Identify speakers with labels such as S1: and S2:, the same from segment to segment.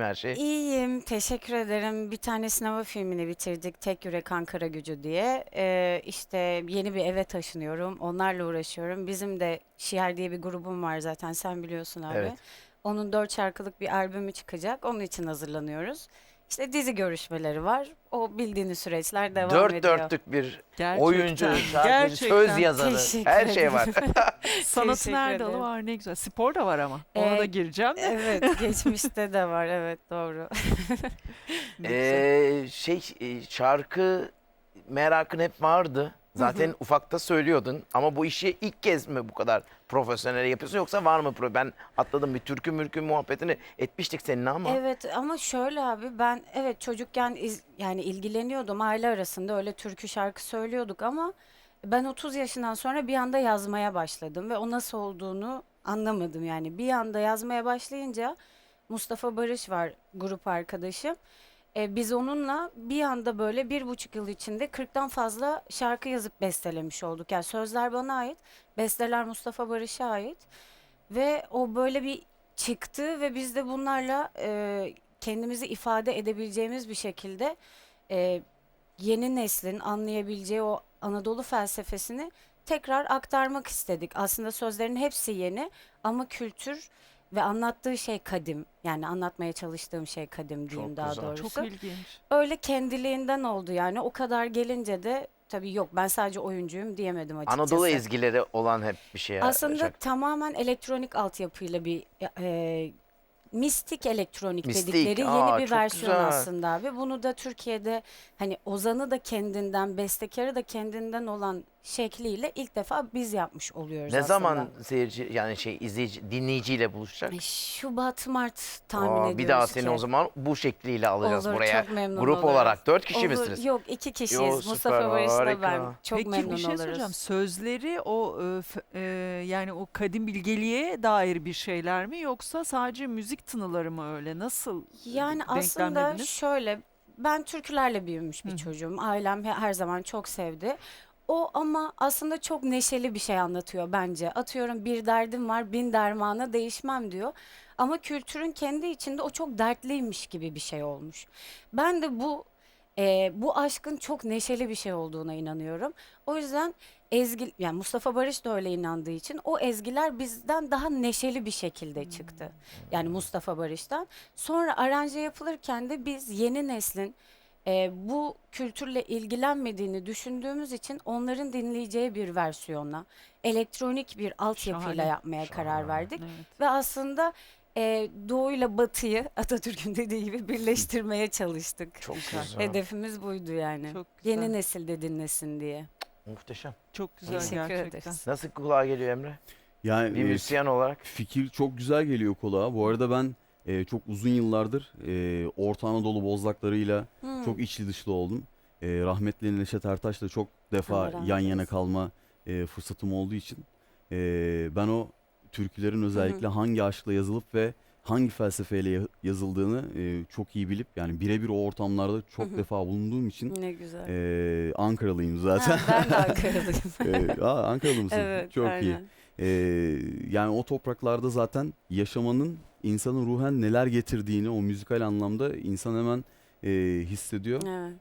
S1: mi her şey?
S2: İyiyim, teşekkür ederim. Bir tane sinema filmini bitirdik, Tek Yürek Ankara Gücü diye. İşte yeni bir eve taşınıyorum, onlarla uğraşıyorum. Bizim de Şiar diye bir grubum var zaten, sen biliyorsun abi.
S1: Evet.
S2: Onun 4 şarkılık bir albümü çıkacak, onun için hazırlanıyoruz. İşte dizi görüşmeleri var, o bildiğiniz süreçler devam
S1: Dört
S2: ediyor.
S1: dörtlük bir oyuncu,
S3: Gerçekten,
S1: şarkıcı, söz
S3: gerçekten.
S1: yazarı.
S2: Teşekkür
S1: Her şey var.
S2: ederim.
S3: Sanatın
S2: Teşekkür
S3: her dalı
S2: ederim.
S3: var, ne güzel. Spor da var ama. Ona da
S2: Ee,
S3: gireceğim de.
S2: Evet, geçmişte de var, evet doğru.
S3: Ne güzel.
S1: Şarkı merakın hep vardı. Zaten ufakta söylüyordun ama bu işi ilk kez mi bu kadar profesyonel yapıyorsun yoksa var mı? Ben atladım, bir türkü mürkü muhabbetini etmiştik seninle ama.
S2: Evet ama şöyle abi, ben evet çocukken yani ilgileniyordum, aile arasında öyle türkü şarkı söylüyorduk ama ben 30 yaşından sonra bir anda yazmaya başladım ve o nasıl olduğunu anlamadım. Yani bir anda yazmaya başlayınca Mustafa Barış var, grup arkadaşım. Biz onunla bir anda böyle 1,5 yıl içinde 40'tan fazla şarkı yazıp bestelemiş olduk. Yani sözler bana ait, besteler Mustafa Barış'a ait. Ve o böyle bir çıktı ve biz de bunlarla kendimizi ifade edebileceğimiz bir şekilde e, yeni neslin anlayabileceği o Anadolu felsefesini tekrar aktarmak istedik. Aslında sözlerin hepsi yeni ama kültür ve anlattığı şey kadim. Yani anlatmaya çalıştığım şey kadim diyeyim
S1: Çok
S2: daha
S1: güzel.
S3: Çok
S2: doğrusu.
S3: ilginç.
S2: Öyle kendiliğinden oldu yani. O kadar gelince de tabii yok, ben sadece oyuncuyum diyemedim
S1: Anadolu
S2: açıkçası.
S1: ezgileri olan hep bir şey.
S2: Aslında tamamen elektronik altyapıyla bir mistik elektronik
S1: Mistik.
S2: dedikleri yeni
S1: Aa,
S2: bir
S1: çok
S2: versiyon
S1: güzel.
S2: aslında abi. Bunu da Türkiye'de hani ozanı da kendinden, bestekarı da kendinden olan şekliyle ilk defa biz yapmış oluyoruz
S1: Ne
S2: aslında.
S1: zaman seyirci yani izleyici, dinleyiciyle buluşacak?
S2: Şubat, Mart tahmin
S1: Aa, bir daha
S2: ediyoruz
S1: seni
S2: ki.
S1: o zaman bu şekliyle alacağız
S2: Olur,
S1: buraya.
S2: çok memnun
S1: Grup
S2: oluruz.
S1: olarak 4 kişi
S2: Olur,
S1: misiniz?
S2: yok 2 kişiyiz.
S1: Yo,
S2: Mustafa
S1: süper,
S2: Barış'la ben
S1: harika.
S2: çok
S3: Peki
S2: memnun
S3: bir şey soracağım.
S2: oluruz.
S3: Sözleri o yani o kadim bilgeliğe dair bir şeyler mi yoksa sadece müzik tınıları mı öyle? Nasıl
S2: Yani aslında
S3: denklemlediniz?
S2: şöyle, ben türkülerle büyümüş
S3: Hı
S2: bir
S3: hı.
S2: çocuğum. Ailem her zaman çok sevdi. O ama aslında çok neşeli bir şey anlatıyor bence. Atıyorum, bir derdim var, bin dermana değişmem diyor. Ama kültürün kendi içinde o çok dertliymiş gibi bir şey olmuş. Ben de bu aşkın çok neşeli bir şey olduğuna inanıyorum. O yüzden yani Mustafa Barış da öyle inandığı için o ezgiler bizden daha neşeli bir şekilde çıktı. Yani Mustafa Barış'tan. Sonra aranje yapılırken de biz yeni neslin bu kültürle ilgilenmediğini düşündüğümüz için onların dinleyeceği bir versiyona, elektronik bir altyapıyla
S3: Şahane.
S2: yapmaya karar verdik.
S3: Evet.
S2: Ve aslında doğuyla batıyı Atatürk'ün dediği gibi birleştirmeye çalıştık.
S1: Çok
S3: Güzel.
S1: güzel.
S2: Hedefimiz buydu yani.
S3: Çok güzel.
S2: Yeni nesil de dinlesin diye.
S1: Muhteşem.
S3: Çok güzel
S2: Teşekkür
S3: gerçekten.
S2: ederiz.
S1: Nasıl kulağa geliyor Emre?
S4: Yani
S1: Bir müzisyen olarak.
S4: fikir çok güzel geliyor kulağa. Bu arada ben çok uzun yıllardır Orta Anadolu bozlaklarıyla çok içli dışlı oldum. Rahmetli Neşet Ertaş'la çok defa
S2: Allah rahmet
S4: yan yana
S2: eylesin.
S4: kalma fırsatım olduğu için ben o türkülerin özellikle hangi aşkla yazılıp ve hangi felsefeyle yazıldığını çok iyi bilip yani birebir o ortamlarda çok defa bulunduğum için
S2: Ne güzel.
S4: Ankaralıyım zaten.
S2: Ha, ben de Ankaralıyım.
S4: Ankaralı mısın?
S2: Evet,
S4: Çok iyi.
S2: aynen.
S4: Yani o topraklarda zaten yaşamanın insanın ruhen neler getirdiğini o müzikal anlamda insan hemen hissediyor.
S2: Evet.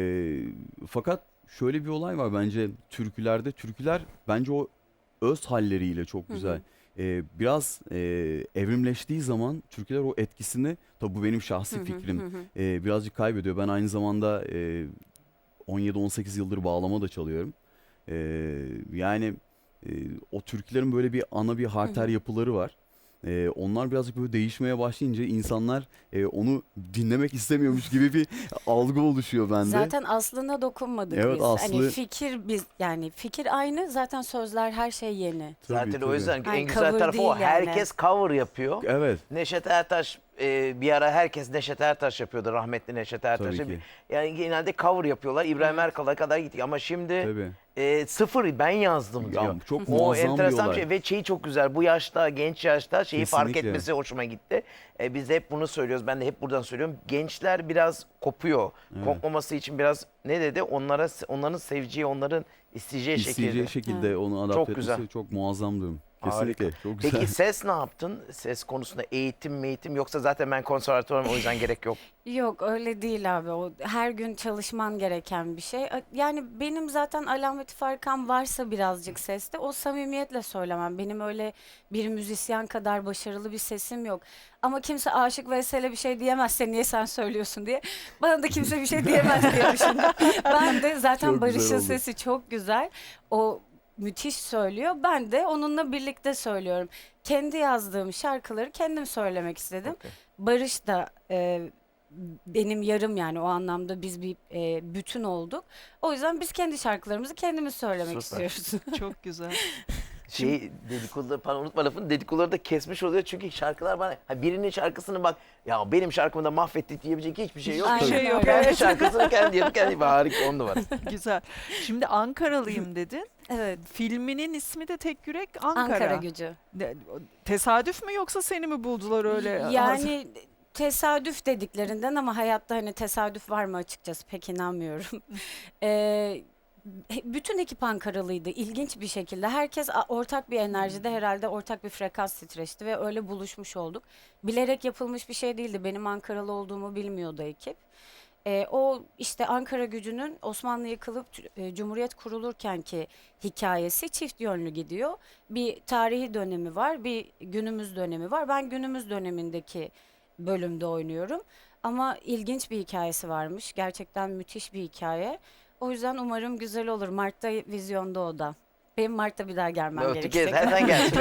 S4: Fakat şöyle bir olay var bence türkülerde. Türküler bence o öz halleriyle çok güzel. Biraz evrimleştiği zaman türküler o etkisini, tabii bu benim şahsi fikrim, birazcık kaybediyor. Ben aynı zamanda 17-18 yıldır bağlama da çalıyorum. Yani o türkülerin böyle bir ana bir harter yapıları var. Onlar birazcık böyle değişmeye başlayınca insanlar onu dinlemek istemiyormuş gibi bir algı oluşuyor bende.
S2: Zaten aslına dokunmadık
S4: Evet,
S2: biz.
S4: aslı-
S2: Hani yani fikir aynı, zaten sözler her şey yeni.
S4: Tabii,
S1: Zaten o
S4: tabii.
S1: yüzden
S2: Yani
S1: en güzel
S2: cover
S1: tarafı o.
S2: değil yani.
S1: Herkes cover yapıyor.
S4: Evet,
S1: Neşet Ertaş bir ara herkes Neşet Ertaş yapıyordu. Rahmetli Neşet Ertaş'ı.
S4: tabii ki.
S1: Yani genelde cover yapıyorlar. İbrahim Erkal'a kadar gittik ama şimdi
S4: Tabii.
S1: sıfır ben yazdım diyor.
S4: Ya, çok
S1: O
S4: muazzam bir
S1: enteresan bir
S4: olay.
S1: şey ve şeyi çok güzel. Bu yaşta, genç yaşta şeyi fark
S4: Kesinlikle.
S1: etmesi hoşuma gitti. Biz de hep bunu söylüyoruz. Ben de hep buradan söylüyorum. Gençler biraz kopuyor. Kopmaması için biraz ne dedi? Onların seveceği, onların isteyeceği şekilde.
S4: İsteyeceği şekilde onu adapte
S1: Çok
S4: etmesi
S1: güzel.
S4: çok muazzam diyorum. Kesinlikle. Çok güzel.
S1: Peki ses ne yaptın? Ses konusunda eğitim yoksa zaten ben konservatuvarım o yüzden gerek yok.
S2: Yok öyle değil abi. O her gün çalışman gereken bir şey. Yani benim zaten alameti farkam varsa birazcık seste o samimiyetle söylemem. Benim öyle bir müzisyen kadar başarılı bir sesim yok. Ama kimse Aşık Veysel'e bir şey diyemezse niye sen söylüyorsun diye. Bana da kimse bir şey diyemez diye düşündüm. Ben de zaten
S4: Çok güzel
S2: Barış'ın
S4: oldu.
S2: sesi çok güzel. O müthiş söylüyor. Ben de onunla birlikte söylüyorum. Kendi yazdığım şarkıları kendim söylemek istedim.
S1: Okey.
S2: Barış da benim yarım yani o anlamda biz bir bütün olduk. O yüzden biz kendi şarkılarımızı kendimiz söylemek
S1: Süper.
S2: istiyoruz.
S3: Çok güzel.
S1: Dedikoduları falan unutma lafını, dedikoduları da kesmiş oluyor çünkü şarkılar bana birinin şarkısını bak ya benim şarkımı da mahvettik diyebilecek hiçbir şey yok.
S2: Aynen
S3: Hiçbir şey yok,
S2: öyle.
S1: Kendi
S3: evet.
S1: şarkısını kendi yapıp kendi harika 10 numara.
S3: Güzel. Şimdi Ankaralıyım dedin.
S2: Evet.
S3: Filminin ismi de Tek Yürek Ankara.
S2: Ankara Gücü.
S3: Tesadüf mü yoksa seni mi buldular öyle?
S2: Yani tesadüf dediklerinden ama hayatta hani tesadüf var mı açıkçası pek inanmıyorum. Bütün ekip Ankaralıydı ilginç bir şekilde. Herkes ortak bir enerjide herhalde ortak bir frekans titreşti ve öyle buluşmuş olduk. Bilerek yapılmış bir şey değildi. Benim Ankaralı olduğumu bilmiyordu ekip. O işte Ankara Gücü'nün Osmanlı yıkılıp Cumhuriyet kurulurkenki hikayesi çift yönlü gidiyor. Bir tarihi dönemi var, bir günümüz dönemi var. Ben günümüz dönemindeki bölümde oynuyorum. Ama ilginç bir hikayesi varmış. Gerçekten müthiş bir hikaye. O yüzden umarım güzel olur. Mart'ta vizyonda o da. Benim Mart'ta bir daha gelmem
S1: Öteki
S2: gerekecek.
S1: zaten gelsin.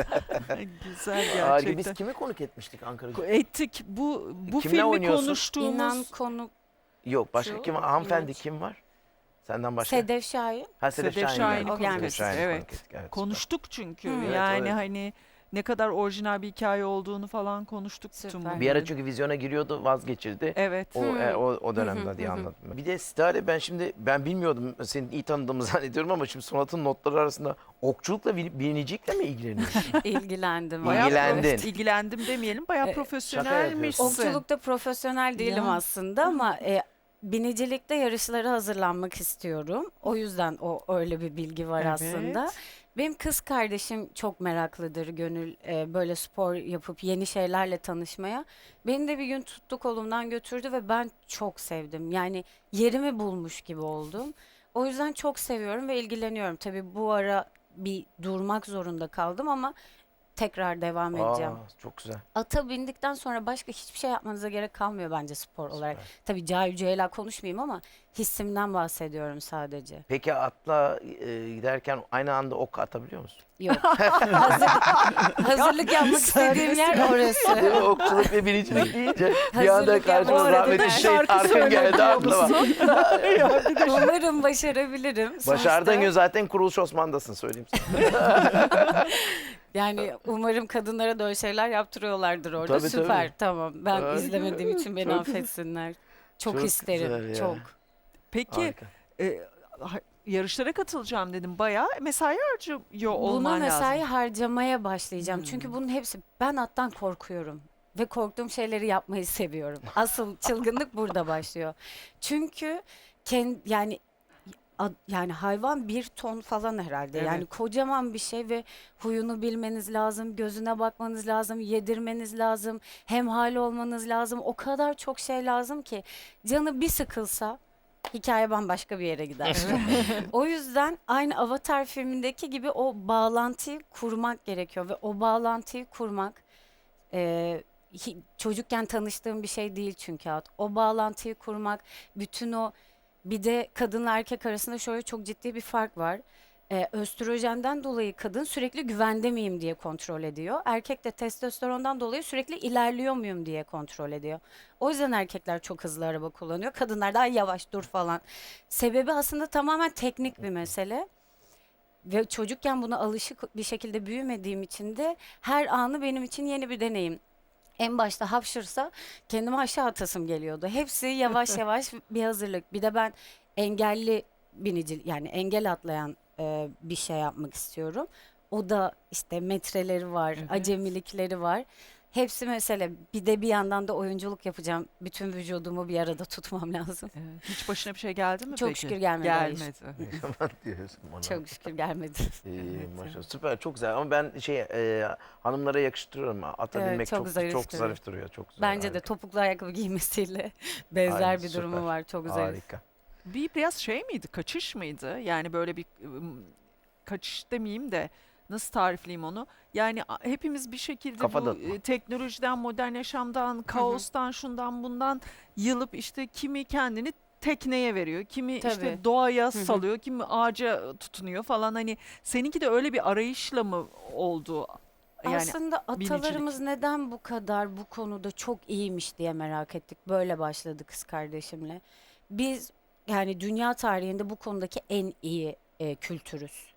S3: Güzel
S1: Harika. Biz
S3: gerçekten.
S1: kimi konuk etmiştik Ankara'da?
S3: Ettik. Bu
S1: Kimle
S3: filmi
S1: oynuyorsun?
S3: konuştuğumuz
S2: İnan konuk
S1: Yok başka
S2: Şu,
S1: kim var? Hanımefendi
S2: İnanç.
S1: kim var? Senden başka?
S2: Sedef Şahin.
S1: Ha, Sedef
S3: Sedef
S1: Şahin
S3: Şahin'i
S1: geldi.
S2: konuk
S1: Sedef
S2: ettik.
S1: Şahin'i
S3: Evet.
S1: konuk ettik, evet, süper.
S3: konuştuk çünkü.
S2: Hı.
S1: Evet,
S3: Yani
S1: evet.
S3: hani ne kadar orijinal bir hikaye olduğunu falan konuştuk bütün
S2: Süper.
S3: bunları.
S1: Bir ara çünkü vizyona giriyordu vazgeçirdi.
S3: Evet.
S1: O dönemde diye anladım. Bir de Stare ben bilmiyordum seni iyi tanıdığımı zannediyorum ama şimdi Sonat'ın notları arasında okçulukla binicilikle mi ilgileniyorsun?
S2: İlgilendim.
S1: Bayağı İlgilendin.
S3: İlgilendim demeyelim. Bayağı
S2: Şaka
S3: profesyonelmişsin.
S2: Okçulukta profesyonel değilim
S3: Ya.
S2: aslında ama binicilikte yarışlara hazırlanmak istiyorum. O yüzden o öyle bir bilgi var aslında.
S3: Evet.
S2: Benim kız kardeşim çok meraklıdır Gönül böyle spor yapıp yeni şeylerle tanışmaya. Beni de bir gün tuttu kolumdan götürdü ve ben çok sevdim. Yani yerimi bulmuş gibi oldum. O yüzden çok seviyorum ve ilgileniyorum. Tabii bu ara bir durmak zorunda kaldım ama tekrar devam edeceğim.
S1: Çok güzel.
S2: Ata bindikten sonra başka hiçbir şey yapmanıza gerek kalmıyor bence spor olarak. Tabii cahil cühela konuşmayayım ama hissimden bahsediyorum sadece.
S1: Peki atla giderken aynı anda ok atabiliyor musun?
S2: Yok. Hazırlık yapmak istediğim yer
S1: Değil mi?
S2: orası.
S1: Okçuluk ve binicilik deyince bir anda
S2: Hazırlık
S1: karşıma
S2: yapmak-
S1: rahmetli
S3: Arada
S1: şey
S3: şarkı
S1: Tarkan geldi
S3: söylüyor
S1: aklıma.
S2: Umarım başarabilirim.
S1: Başardığın
S2: Sonuçta
S1: gün zaten Kuruluş Osman'dasın söyleyeyim sana.
S2: yani umarım kadınlara da öyle şeyler yaptırıyorlardır orada.
S1: Tabii,
S2: Süper.
S1: tabii.
S2: Tamam. Ben
S1: Harika.
S2: izlemediğim için beni
S1: Çok-
S2: affetsinler. Çok
S1: Çok
S2: isterim.
S1: güzel ya.
S2: Çok.
S3: Peki
S1: Harika.
S3: yarışlara katılacağım dedim. Bayağı mesai harcıyor
S2: Buna
S3: olman
S2: mesai
S3: lazım.
S2: harcamaya başlayacağım. Çünkü bunun hepsi ben attan korkuyorum ve korktuğum şeyleri yapmayı seviyorum. Asıl çılgınlık burada başlıyor. Çünkü yani yani hayvan 1 ton falan herhalde.
S3: Evet.
S2: Yani kocaman bir şey ve huyunu bilmeniz lazım, gözüne bakmanız lazım, yedirmeniz lazım, hemhal olmanız lazım. O kadar çok şey lazım ki canı bir sıkılsa hikaye bambaşka bir yere gider. O yüzden aynı Avatar filmindeki gibi o bağlantıyı kurmak gerekiyor ve o bağlantıyı kurmak çocukken tanıştığım bir şey değil çünkü o bağlantıyı kurmak, bütün o bir de kadınla erkek arasında şöyle çok ciddi bir fark var. Östrojenden dolayı kadın sürekli güvende miyim diye kontrol ediyor. Erkek de testosterondan dolayı sürekli ilerliyor muyum diye kontrol ediyor. O yüzden erkekler çok hızlı araba kullanıyor. Kadınlar daha yavaş dur falan. Sebebi aslında tamamen teknik bir mesele. Ve çocukken buna alışık bir şekilde büyümediğim için de her anı benim için yeni bir deneyim. En başta hapşırsa kendimi aşağı atasım geliyordu. Hepsi yavaş yavaş bir hazırlık. Bir de ben engelli binici yani engel atlayan bir şey yapmak istiyorum. O da işte metreleri var,
S3: Evet.
S2: acemilikleri var. Hepsi mesele. Bir de bir yandan da oyunculuk yapacağım. Bütün vücudumu bir arada tutmam lazım.
S3: Evet. Hiç başına bir şey geldi mi
S2: Çok
S3: peki?
S2: şükür gelmedi, hayır.
S3: Gelmedi.
S1: Diyorsun bana.
S2: Çok şükür gelmedi.
S1: İyi, maşallah. Süper, çok güzel ama ben hanımlara yakıştırıyorum. Ata
S2: Evet,
S1: binmek
S2: çok
S1: çok
S2: zarif
S1: çok
S2: duruyor.
S1: zarif duruyor. Çok güzel.
S2: Bence de
S1: harika.
S2: topuklu ayakkabı giymesiyle benzer
S1: Aynen,
S2: bir durumu
S1: süper.
S2: var. Çok zarif.
S1: Harika.
S3: Biraz şey miydi? Kaçış mıydı? Yani böyle bir kaçış demeyeyim de nasıl tarifleyeyim onu? Yani hepimiz bir şekilde
S1: Kafa
S3: bu
S1: dağıtma.
S3: teknolojiden, modern yaşamdan, kaostan, şundan bundan yılıp işte kimi kendini tekneye veriyor, kimi işte
S2: Tabii.
S3: doğaya
S2: hı.
S3: salıyor, kimi ağaca tutunuyor falan. Hani seninki de öyle bir arayışla mı oldu? Yani
S2: Aslında
S3: binicilik.
S2: atalarımız neden bu kadar bu konuda çok iyiymiş diye merak ettik. Böyle başladı kız kardeşimle. Biz yani dünya tarihinde bu konudaki en iyi kültürüz.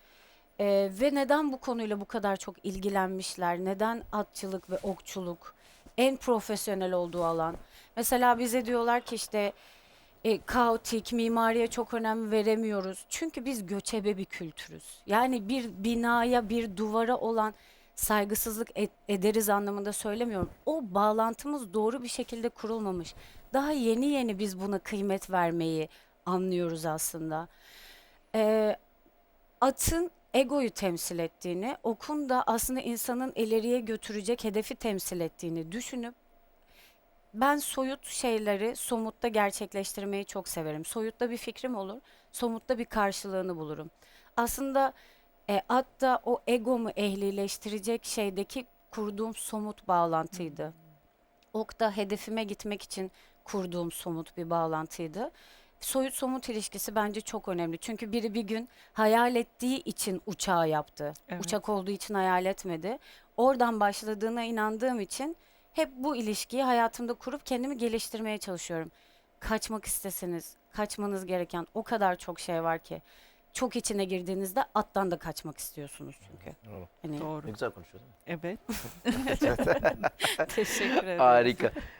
S2: Ve neden bu konuyla bu kadar çok ilgilenmişler? Neden atçılık ve okçuluk en profesyonel olduğu alan? Mesela bize diyorlar ki işte kaotik, mimariye çok önem veremiyoruz. Çünkü biz göçebe bir kültürüz. Yani bir binaya, bir duvara olan saygısızlık ederiz anlamında söylemiyorum. O bağlantımız doğru bir şekilde kurulmamış. Daha yeni yeni biz buna kıymet vermeyi anlıyoruz aslında. Ee, Atın egoyu temsil ettiğini, okun da aslında insanın ileriye götürecek hedefi temsil ettiğini düşünüp ben soyut şeyleri somutta gerçekleştirmeyi çok severim. Soyutta bir fikrim olur, somutta bir karşılığını bulurum. Aslında at da o egomu ehlileştirecek şeydeki kurduğum somut bağlantıydı. Ok da hedefime gitmek için kurduğum somut bir bağlantıydı. Soyut somut ilişkisi bence çok önemli. Çünkü biri bir gün hayal ettiği için uçağı yaptı.
S3: Evet.
S2: Uçak olduğu için hayal etmedi. Oradan başladığına inandığım için hep bu ilişkiyi hayatımda kurup kendimi geliştirmeye çalışıyorum. Kaçmak isteseniz, kaçmanız gereken o kadar çok şey var ki. Çok içine girdiğinizde attan da kaçmak istiyorsunuz çünkü.
S1: Doğru.
S2: Hani
S3: Doğru.
S1: Ne güzel konuşuyorsun.
S3: Evet.
S2: teşekkür ederim.
S1: Harika.